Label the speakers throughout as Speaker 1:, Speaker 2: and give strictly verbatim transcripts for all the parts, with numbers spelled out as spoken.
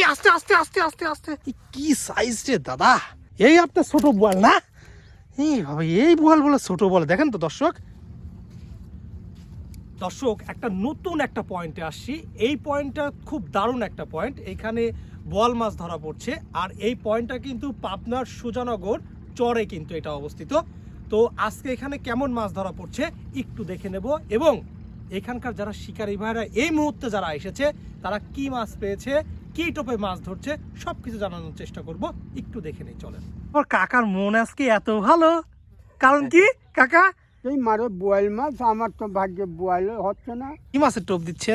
Speaker 1: আস্তে আস্তে আস্তে আস্তে আস্তে কি সাইজ রে দাদা, এই আপনার ছোট বোয়াল না? এই ভাবে এই বোয়াল বলে ছোট বলে, দেখেন তো দর্শক। দর্শক একটা নতুন একটা পয়েন্টে আসছি, এই পয়েন্টটা খুব দারুণ একটা পয়েন্ট। এখানে বোয়াল মাছ ধরা পড়ছে, আর এই পয়েন্টটা কিন্তু পাবনার সুজানগর চরে কিন্তু এটা অবস্থিত। তো আজকে এখানে কেমন মাছ ধরা পড়ছে একটু দেখে নেব, এবং এখানকার যারা শিকারী ভাইরা এই মুহূর্তে যারা এসেছে তারা কি মাছ পেয়েছে, কি টোপে মাছ ধরছে, সবকিছু জানানোর চেষ্টা করব। একটু দেখে নেই, চলেন। ওর কাকার মন আজকে এত ভালো, কারণ কি কাকা?
Speaker 2: এই মারে বোয়াল মাছ, আমার তো ভাগ্যে বোয়াল হচ্ছে না।
Speaker 1: কি মাছের টোপ দিচ্ছেন?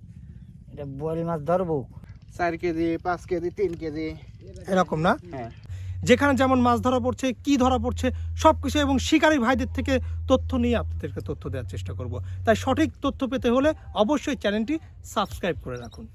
Speaker 3: এটা বোয়াল মাছ ধরবো,
Speaker 2: চার কেজি পাঁচ কেজি তিন কেজি
Speaker 1: এরকম না?
Speaker 2: হ্যাঁ।
Speaker 1: যেখানে যেমন মাছ ধরা পড়ছে, কি ধরা পড়ছে সবকিছু, এবং শিকারী ভাইদের থেকে তথ্য নিয়ে আপনাদেরকে তথ্য দেওয়ার চেষ্টা করব। তাই সঠিক তথ্য পেতে হলে অবশ্যই চ্যানেলটি সাবস্ক্রাইব করে রাখুন।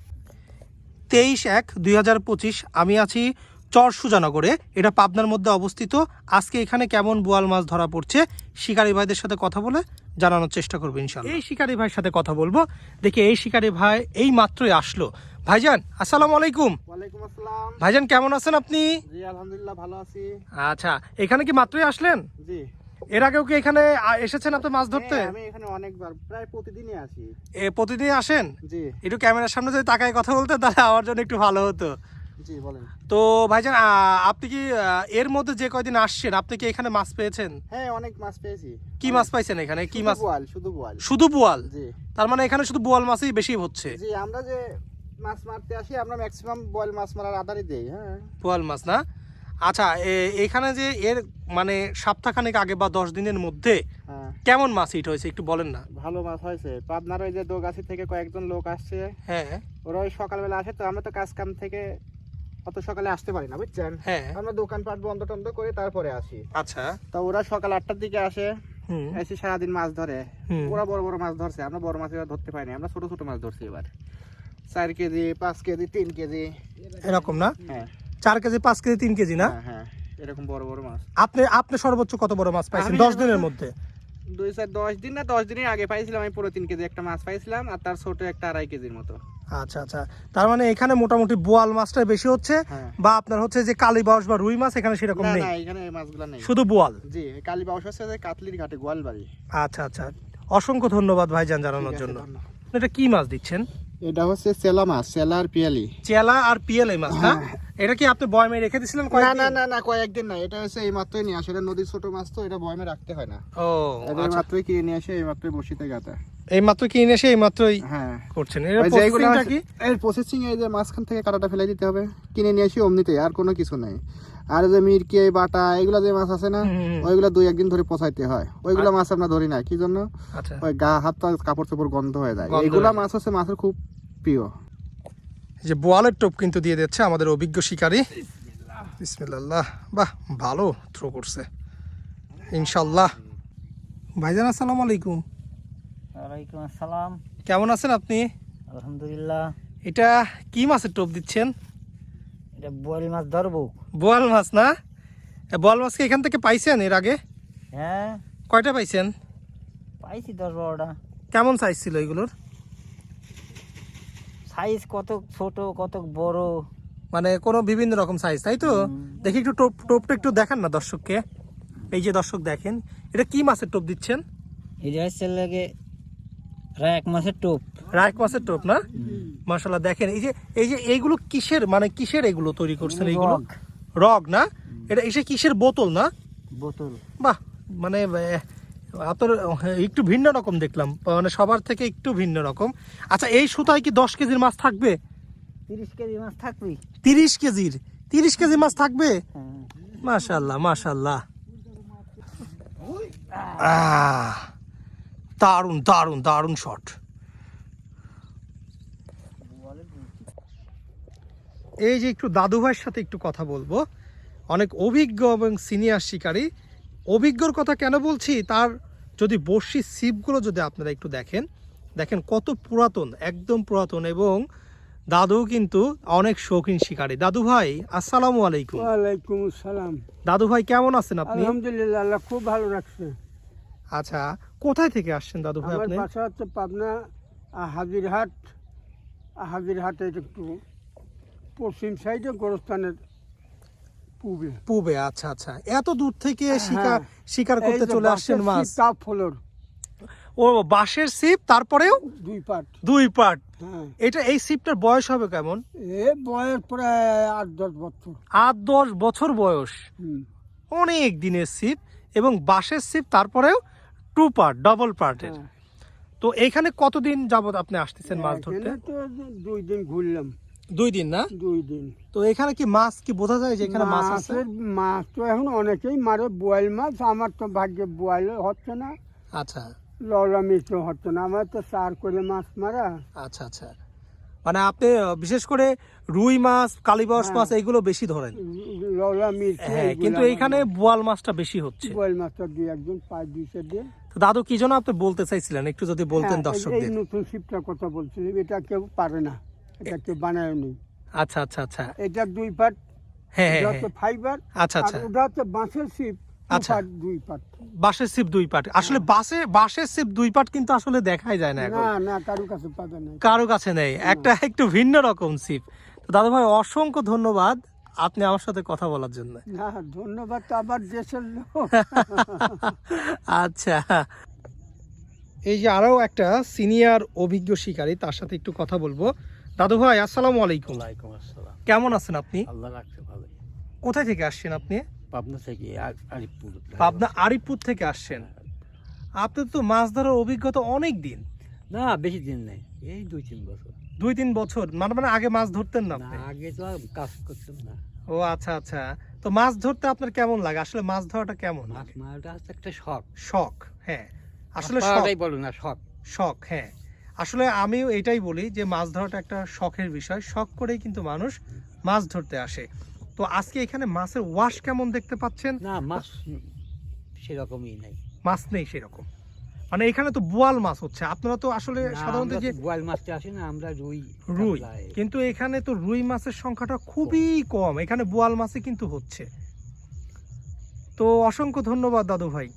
Speaker 1: তেইশ এক দুই হাজার পঁচিশ আমি আছি চর সুজানগরে, এটা পাবনার মধ্যে অবস্থিত। আজকে এখানে কেমন বোয়াল মাছ ধরা পড়ছে শিকারী ভাইদের সাথে কথা বলে জানানোর চেষ্টা করবো ইনশাআল্লাহ। এই শিকারী ভাইয়ের সাথে কথা বলবো। দেখি এই শিকারী ভাই এই মাত্রই আসলো। ভাইজান আসসালামু আলাইকুম।
Speaker 2: ওয়ালাইকুম আসসালাম।
Speaker 1: ভাইজান কেমন আছেন আপনি?
Speaker 2: জি আলহামদুলিল্লাহ ভালো আছি।
Speaker 1: আচ্ছা, এখানে কি মাত্রই আসলেন?
Speaker 2: জি।
Speaker 1: এর আগেও কি এখানে আ- এসেছেন আপনি মাছ ধরতে?
Speaker 2: হ্যাঁ, আমি এখানে অনেকবার প্রায় প্রতিদিনই আসি।
Speaker 1: এ প্রতিদিন আসেন?
Speaker 2: জি
Speaker 1: একটু ক্যামেরার সামনে যদি তাকায় কথা বলতে তাহলে আমার জন্য একটু ভালো হতো।
Speaker 2: জি বলেন।
Speaker 1: তো ভাইজান আ, আপনি কি আ, এর মধ্যে যে কয়দিন আসছেন আপনি কি এখানে মাছ পেয়েছেন?
Speaker 2: হ্যাঁ অনেক মাছ পেয়েছি।
Speaker 1: কি মাছ পাইছেন এখানে? কি মাছ?
Speaker 2: বোয়াল, শুধু বোয়াল।
Speaker 1: শুধু বোয়াল?
Speaker 2: জি
Speaker 1: তার মানে এখানে শুধু বোয়াল মাছই বেশি হচ্ছে?
Speaker 2: জি, আমরা যে মাছ মারতে আসি আমরা ম্যাক্সিমাম বোয়াল মাছ মারার আধারই দেই। হ্যাঁ
Speaker 1: বোয়াল মাছ না? আচ্ছা, এ- এখানে যে এর মানে সপ্তাহখানেক আগে বা দশ দিনের মধ্যে
Speaker 2: হ্যাঁ
Speaker 1: কেমন মাছ হিট হয়েছে একটু বলেন না।
Speaker 2: ভালো মাছ হয়েছে। পাবনার ওই যে দোগাছি থেকে কয়েকজন লোক আসছে,
Speaker 1: হ্যাঁ
Speaker 2: ওরা ওই সকালবেলা আসে, তো আমরা তো কাজ কাম থেকে অত সকালে আসতে পারি না বুঝছেন।
Speaker 1: হ্যাঁ।
Speaker 2: আমরা দোকানপাট বন্ধ টন্ধ করে তারপরে আসি।
Speaker 1: আচ্ছা।
Speaker 2: তো ওরা সকাল আটটার দিকে আসে,
Speaker 1: হুম
Speaker 2: এসে সারাদিন মাছ ধরে।
Speaker 1: হুম।
Speaker 2: ওরা বড় বড় মাছ ধরছে, আমরা বড় মাছ এবার ধরতে পারিনি, আমরা ছোট ছোট মাছ ধরছি এবার। চার কেজি পাঁচ কেজি তিন কেজি
Speaker 1: এরকম না?
Speaker 2: হ্যাঁ
Speaker 1: চার কেজি পাঁচ কেজি তিন কেজি না?
Speaker 2: হ্যাঁ, হ্যাঁ এরকম বড় বড় মাছ।
Speaker 1: আপনি আপনি সর্বোচ্চ কত বড় মাছ পাইছেন
Speaker 2: আমি
Speaker 1: দশ দিনের
Speaker 2: সর্বোচ্চ-
Speaker 1: মধ্যে?
Speaker 2: দুই চার দশ দিন না দশ দিনের আগে পাইছিলাম আমি পুরো তিন কেজি একটা মাছ পাইছিলাম, আর তার ছোট একটা আড়াই কেজির মতো।
Speaker 1: আচ্ছা আচ্ছা, তার মানে এখানে মোটামুটি বোয়াল মাছটাই বেশি হচ্ছে,
Speaker 2: হ্যাঁ।
Speaker 1: বা আপনার হচ্ছে যে কালীবাউস বা রুই মাছ এখানে সেরকম
Speaker 2: না
Speaker 1: নেই,
Speaker 2: না এখানে এই মাছগুলো নেই।
Speaker 1: শুধু বোয়াল?
Speaker 2: জি কালী বাউস হচ্ছে যে কাতলির ঘাটে গোয়ালবাড়ি।
Speaker 1: আচ্ছা আচ্ছা, অসংখ্য ধন্যবাদ ভাইজান জানানোর
Speaker 2: ঠিক আছে,
Speaker 1: জন্য।
Speaker 2: ধন্যবাদ।
Speaker 1: এটা কি মাছ দিচ্ছেন?
Speaker 2: এটা হচ্ছে চেলা মাছ, চেলা আর পিয়ালি।
Speaker 1: চেলা আর পিএল এই মাছ না? এটা কি আপনি বয়মে রেখে দিয়েছিলেন
Speaker 2: না
Speaker 1: কয়েকদিন?
Speaker 2: না না না কয়েকদিন না, এটা হচ্ছে এই মাত্রই নিয়ে আসে। এটা নদীর ছোট মাছ, তো এটা বয়মে রাখতে হয় না।
Speaker 1: ও
Speaker 2: এটা এই
Speaker 1: আচ্ছা,
Speaker 2: মাত্রই কিনে নিয়ে আসে, এই মাত্রই বসিতে গাতা।
Speaker 1: এই মাত্র কিনে এসে এই মাত্রই
Speaker 2: হ্যাঁ
Speaker 1: করছেন? এর
Speaker 2: ওই যে এইগুলো
Speaker 1: প্রসেসিংটা
Speaker 2: আছে-
Speaker 1: কি?
Speaker 2: এর প্রসেসিং এই যে মাঝখান থেকে কাটাটা ফেলে দিতে হবে, কিনে নিয়ে আসি অমনিতে, আর কোনো কিছু নাই। আর এই যে মিরকি এই বাটা এগুলা যে মাছ আছে না,
Speaker 1: হুম, হুম, হুম।
Speaker 2: ওইগুলা দুই একদিন ধরে পচাইতে হয়। ওইগুলা মাছ আমরা ধরি না, কি জন্য?
Speaker 1: আচ্ছা,
Speaker 2: ওই গা হাত পা কাপড় চোপড় গন্ধ হয়ে যায়।
Speaker 1: গন্ধ
Speaker 2: এইগুলা
Speaker 1: হয়ে
Speaker 2: মাছ হচ্ছে মাছের খুব প্রিয়।
Speaker 1: এই যে বোয়ালের টোপ কিন্তু দিয়ে দিচ্ছে আমাদের অভিজ্ঞ শিকারী। বিসমিল্লাহ, বাহ ভালো থ্রো করছে ইনশাল্লাহ। ভাইজান আসসালামু আলাইকুম।
Speaker 3: ওয়ালাইকুম আসসালাম।
Speaker 1: কেমন আছেন আপনি?
Speaker 3: আলহামদুলিল্লাহ।
Speaker 1: এটা কি মাছের টোপ দিচ্ছেন?
Speaker 3: এটা বোয়াল মাছ ধরবো।
Speaker 1: বোয়াল মাছ না? এ, বোয়াল মাছকে এখান থেকে পাইছেন এর আগে?
Speaker 3: হ্যাঁ
Speaker 1: কয়টা পাইছেন?
Speaker 3: পাইছি দশ বারোটা।
Speaker 1: কেমন সাইজ ছিল এগুলোর?
Speaker 3: সাইজ কত ছোট কত বড়।
Speaker 1: মানে কোনো বিভিন্ন রকম সাইজ, তাই তো? দেখি একটু টোপ টোপটা একটু দেখান না দর্শককে। এই যে দর্শক দেখেন, এটা কি মাছের টোপ দিচ্ছেন?
Speaker 3: এটা হচ্ছে লাগে এক মাসের টোপ।
Speaker 1: রায়ক মাছের টোপ না? মাশাআল্লাহ, দেখেন এই যে এই যে এইগুলো কিসের মানে কিসের এগুলো তৈরি করছেন এইগুলো?
Speaker 3: রগ।
Speaker 1: রগ না? এটা এসে কিসের বোতল না?
Speaker 3: বোতল।
Speaker 1: বাহ, মানে আহ, আপনার একটু ভিন্ন রকম দেখলাম, মানে সবার থেকে একটু ভিন্ন রকম। আচ্ছা, এই সুতায় কি দশ কেজির মাছ থাকবে?
Speaker 3: তিরিশ কেজি মাছ থাকবি।
Speaker 1: তিরিশ কেজির তিরিশ কেজি মাছ থাকবে?
Speaker 3: হ্যাঁ।
Speaker 1: মাশাআল্লাহ মাশাআল্লাহ, আহ দারুণ দারুণ দারুণ শট। এই যে একটু দাদু ভাইয়ের সাথে একটু কথা বলবো, অনেক অভিজ্ঞ এবং সিনিয়র শিকারী। অভিজ্ঞর কথা কেন বলছি, তার যদি বড়শির ছিপগুলো যদি আপনারা একটু দেখেন, দেখেন কত পুরাতন, একদম পুরাতন, এবং দাদু কিন্তু অনেক শৌখিন শিকারী। দাদু ভাই আসসালামু আলাইকুম।
Speaker 2: ওয়ালাইকুম আসসালাম।
Speaker 1: দাদু ভাই কেমন আছেন আপনি?
Speaker 2: আলহামদুলিল্লাহ, আল্লাহ খুব ভালো রাখছে।
Speaker 1: আচ্ছা, কোথায় থেকে আসছেন দাদু ভাই
Speaker 2: আমার
Speaker 1: আপনি?
Speaker 2: বাসা হচ্ছে পাবনা হাজিরহাট। হাজিরহাটে একটু
Speaker 4: পশ্চিম সাইডে গোরস্থানের পূবে।
Speaker 1: পূবে, আচ্ছা আচ্ছা। এত দূর থেকে শিকার
Speaker 4: হ্যাঁ।
Speaker 1: শিকার করতে
Speaker 4: এই যে
Speaker 1: চলে আসছেন
Speaker 4: বাঁশের
Speaker 1: মাছ।
Speaker 4: ছিপ, তাপ ফলর
Speaker 1: ও বাঁশের ছিপ, তারপরেও
Speaker 4: দুই পাট।
Speaker 1: দুই পাট।
Speaker 4: হ্যাঁ,
Speaker 1: এটা এই ছিপটার বয়স হবে কেমন?
Speaker 4: এ বয়স প্রায় আট দশ বছর।
Speaker 1: আট দশ বছর বয়স,
Speaker 4: হুম,
Speaker 1: অনেক দিনের ছিপ এবং বাঁশের ছিপ, তারপরেও টু পার্ট, ডবল পার্টের।
Speaker 4: হ্যাঁ।
Speaker 1: তো এখানে কতদিন যাবত আপনি আসতেছেন মাছ ধরতে?
Speaker 4: এখানে তো দুই দিন ঘুরলাম,
Speaker 1: দুই দিন না?
Speaker 4: দুই দিন।
Speaker 1: তো এখানে কি মাছ কি বোঝা যায় যে এখানে মাছ আছে?
Speaker 4: মাছের মাছ তো এখন অনেকেই মারে, বোয়াল মাছ। আমার তো ভাগ্যে বোয়াল হচ্ছে না,
Speaker 1: আচ্ছা
Speaker 4: লওলা মিষ্টি হচ্ছে না। আমার তো চার করে মাছ মারা।
Speaker 1: আচ্ছা আচ্ছা। মানে আপনি আহ, বিশেষ করে রুই মাছ, কালীবাউস
Speaker 4: হ্যাঁ।
Speaker 1: মাছ এগুলো বেশি ধরেন।
Speaker 4: লওলা মিষ্টি
Speaker 1: হ্যাঁ, কিন্তু এইখানে বোয়াল মাছটা বেশি হচ্ছে।
Speaker 4: বোয়াল মাছটা দুই একজন পাঁচ দুইশো দিয়ে।
Speaker 1: তো দাদু কি জন্য আপনি বলতে চাইছিলেন একটু যদি বলতেন
Speaker 4: হ্যাঁ, এই-
Speaker 1: দর্শকদের।
Speaker 4: এই নতুন শিপটার কথা বলছি, এটা কেউ পারে না, এটা কেউ বানায় নি।
Speaker 1: আচ্ছা আচ্ছা আচ্ছা।
Speaker 4: এটা দুই পাট,
Speaker 1: হ্যাঁ
Speaker 4: এটা
Speaker 1: হ্যাঁ
Speaker 4: হচ্ছে
Speaker 1: হ্যাঁ।
Speaker 4: ফাইবার,
Speaker 1: আচ্ছা
Speaker 4: আর
Speaker 1: আচ্ছা।
Speaker 4: ওটা হচ্ছে বাঁশের শিপ,
Speaker 1: আচ্ছা।
Speaker 4: দুই পাট।
Speaker 1: বাঁশের ছিপ দুই পাট, আসলে বাসে বাঁশের ছিপ দুই পাট কিন্তু আসলে দেখাই যায় না এখন,
Speaker 4: না না, কারো কাছে পাবে না।
Speaker 1: কারো কাছে নেই, একটা একটু ভিন্ন রকম ছিপ। তো দাদু ভাই অসংখ্য ধন্যবাদ আপনি আমার সাথে কথা বলার জন্য।
Speaker 4: না, ধন্যবাদ তো আমার দেশের লোক।
Speaker 1: আচ্ছা, এই যে আরো একটা সিনিয়র অভিজ্ঞ শিকারী, তার সাথে একটু কথা বলবো। দাদু ভাই আসসালামু আলাইকুম।
Speaker 3: ওয়ালাইকুম আসসালাম।
Speaker 1: কেমন আছেন আপনি?
Speaker 3: আল্লাহ রাখছে ভালো।
Speaker 1: কোথায় থেকে আসছেন আপনি?
Speaker 3: পাবনা থেকে আ- আরিফপুর।
Speaker 1: পাবনা আরিফপুর থেকে আসছেন। আপনার তো মাছ ধরার অভিজ্ঞতা অনেক দিন।
Speaker 3: না, বেশি দিন নেই, এই দুই তিন বছর।
Speaker 1: দুই তিন বছর মানে মানে আগে মাছ ধরতেন না
Speaker 3: না,
Speaker 1: আপনি?
Speaker 3: আগে তো আর কাজ করতাম না।
Speaker 1: ও আচ্ছা আচ্ছা। তো মাছ ধরতে আপনার কেমন লাগে? আসলে মাছ ধরাটা কেমন
Speaker 3: মাছ
Speaker 1: লাগে?
Speaker 3: মারাটা হচ্ছে একটা শখ।
Speaker 1: শখ, হ্যাঁ আসলে
Speaker 3: মাছ
Speaker 1: শখ।
Speaker 3: মারাটাই বলো না, শখ।
Speaker 1: শখ, হ্যাঁ আসলে আমিও এটাই বলি যে মাছ ধরাটা একটা শখের বিষয়, শখ করেই কিন্তু মানুষ মাছ ধরতে আসে। তো আজকে এখানে মাছের ওয়াশ কেমন দেখতে পাচ্ছেন?
Speaker 3: না, মাছ সেরকমই নাই।
Speaker 1: মাছ নেই সেরকম, মানে এখানে তো বোয়াল মাছ হচ্ছে। আপনারা তো আসলে
Speaker 3: না,
Speaker 1: সাধারণত
Speaker 3: আমরা
Speaker 1: যে
Speaker 3: তো বোয়াল মাছটা আসে না, আমরা রুই
Speaker 1: রুই,
Speaker 3: কাতলা এই-
Speaker 1: কিন্তু এখানে তো রুই মাছের সংখ্যাটা খুবই কম, এখানে বোয়াল মাছই কিন্তু হচ্ছে। তো অসংখ্য ধন্যবাদ দাদু ভাই।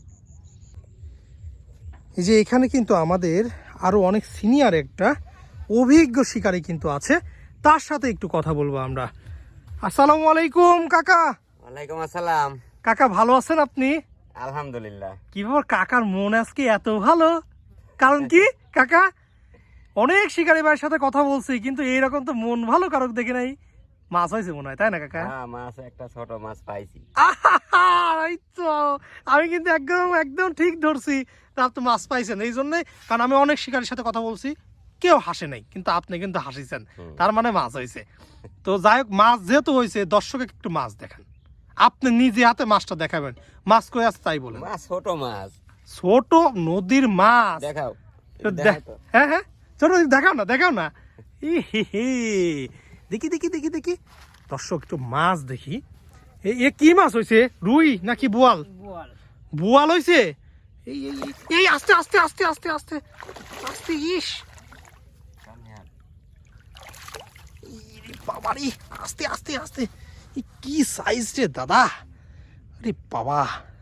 Speaker 1: এই যে এখানে কিন্তু আমাদের আরো অনেক সিনিয়র একটা অভিজ্ঞ শিকারী কিন্তু আছে, তার সাথে একটু কথা বলবো আমরা। আসসালামু আলাইকুম কাকা।
Speaker 5: ওয়ালাইকুম আসসালাম।
Speaker 1: কাকা ভালো আছেন আপনি?
Speaker 5: আলহামদুলিল্লাহ।
Speaker 1: কি ব্যাপার কাকার মন আজকে এত ভালো? কারণ কি কাকা? অনেক শিকারী ভাইয়ের সাথে কথা বলছি কিন্তু এইরকম তো মন ভালো কারক দেখে নাই। মাছ হয়েছে মনে হয়, তাই না কাকা?
Speaker 5: হ্যাঁ, মাছ একটা ছোট মাছ পাইছি।
Speaker 1: আহা, এই তো আমি কিন্তু একদম একদম ঠিক ধরছি। তা আপনি মাছ পাইছেন এই জন্যে, কারণ আমি অনেক শিকারীর সাথে কথা বলছি, কেউ হাসে নাই, কিন্তু আপনি কিন্তু হাসিছেন,
Speaker 5: হুম।
Speaker 1: তার মানে মাছ হয়েছে। তো যাই হোক, মাছ যেহেতু হয়েছে দর্শকে একটু মাছ দেখান, আপনি নিজে হাতে মাছটা দেখাবেন। মাছ কই আছে তাই বলেন।
Speaker 5: মাছ ছোট মাছ।
Speaker 1: ছোট নদীর মাছ
Speaker 5: দেখাও।
Speaker 1: তো
Speaker 5: দেখাও
Speaker 1: দেখ-
Speaker 5: তো।
Speaker 1: হ্যাঁ হ্যাঁ ছোট দেখাও না, দেখাও না। ই হি হি। দেখি দেখি দেখি দেখি দর্শক একটু মাছ দেখি। এ- এ কি মাছ হয়েছে? রুই নাকি বোয়াল? বোয়াল হয়েছে। এই এই এই- এই আস্তে আস্তে আস্তে আস্তে আস্তে আস্তে। ইস ইরে বাবারে, আস্তে আস্তে আস্তে। এ কি সাইজ রে দাদা, আরে বাবা।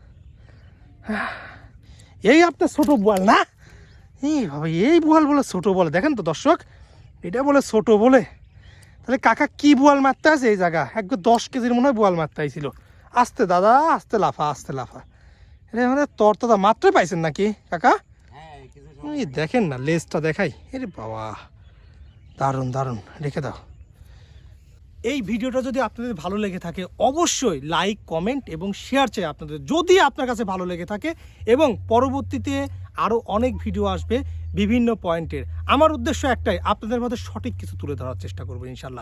Speaker 1: এই আপনার ছোট বোয়াল না? এই বাবা, এই বোয়াল বলে ছোট বলে? দেখেন তো দর্শক, এটা বলে ছোট বলে। তাহলে কাকা কি বোয়াল মারতে আছে এই জায়গা? একবার দশ কেজির মনে হয় বোয়াল মারতে আইছিল। আস্তে দাদা, আস্তে লাফা, আস্তে লাফা। এটা আমাদের তরতাদা মাত্র পাইছেন নাকি কাকা?
Speaker 5: হ্যাঁ, কিছু
Speaker 1: এই দেখেন না, লেজটা দেখাই। এরে বাবা, দারুণ দারুণ, রেখে দাও। এই ভিডিওটা যদি আপনাদের ভালো লেগে থাকে অবশ্যই লাইক, কমেন্ট এবং শেয়ার চাই আপনাদের, যদি আপনার কাছে ভালো লেগে থাকে। এবং পরবর্তীতে আরও অনেক ভিডিও আসবে বিভিন্ন পয়েন্টের। আমার উদ্দেশ্য একটাই, আপনাদের মধ্যে সঠিক কিছু তুলে ধরার চেষ্টা করবো ইনশাল্লাহ।